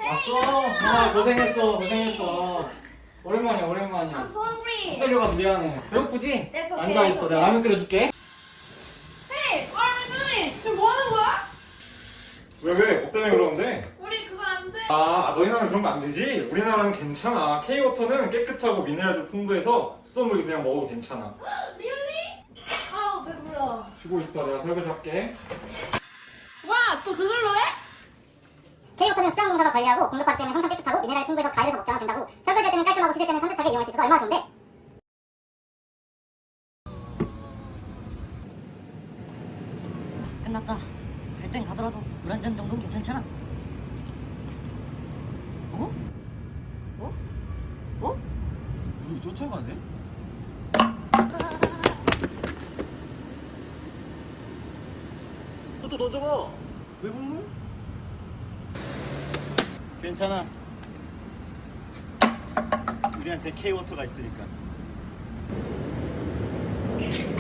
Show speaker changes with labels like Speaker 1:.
Speaker 1: 왔어? 아 고생했어. 오랜만이야.
Speaker 2: I'm sorry.
Speaker 1: 호텔로 가서 미안해. 배고프지?
Speaker 2: That's okay,
Speaker 1: 앉아있어.
Speaker 2: that's
Speaker 1: 내가 라면 끓여줄게.
Speaker 2: Hey, what are we doing? 지금 뭐 하는 거야?
Speaker 3: 왜? 뭐 때문에 그러는데?
Speaker 2: 우리 그거 안 돼.
Speaker 3: 너희 나라는 그런 거 안 되지? 우리나라는 괜찮아. K-워터는 깨끗하고 미네랄도 풍부해서 수돗물 그냥 먹어도 괜찮아.
Speaker 2: Really? 아우 배불러.
Speaker 1: 주고 있어. 내가 설거지 할게.
Speaker 2: 와, 또 그걸로 해?
Speaker 4: K워터는 수자원공사가 관리하고 공급받기 때문에 항상 깨끗하고 미네랄이 풍부해서 가열해서 먹자면 된다고. 설거지할 때는 깔끔하고 씻을 때는 산뜻하게 이용할 수 있어서 얼마나 좋은데?
Speaker 5: 끝났다. 갈 땐 가더라도 물 한 잔 정도는 괜찮잖아. 어? 어? 어?
Speaker 6: 불이 쫓아가네? 또 던져봐. 왜 국물? 괜찮아. 우리한테 K워터가 있으니까.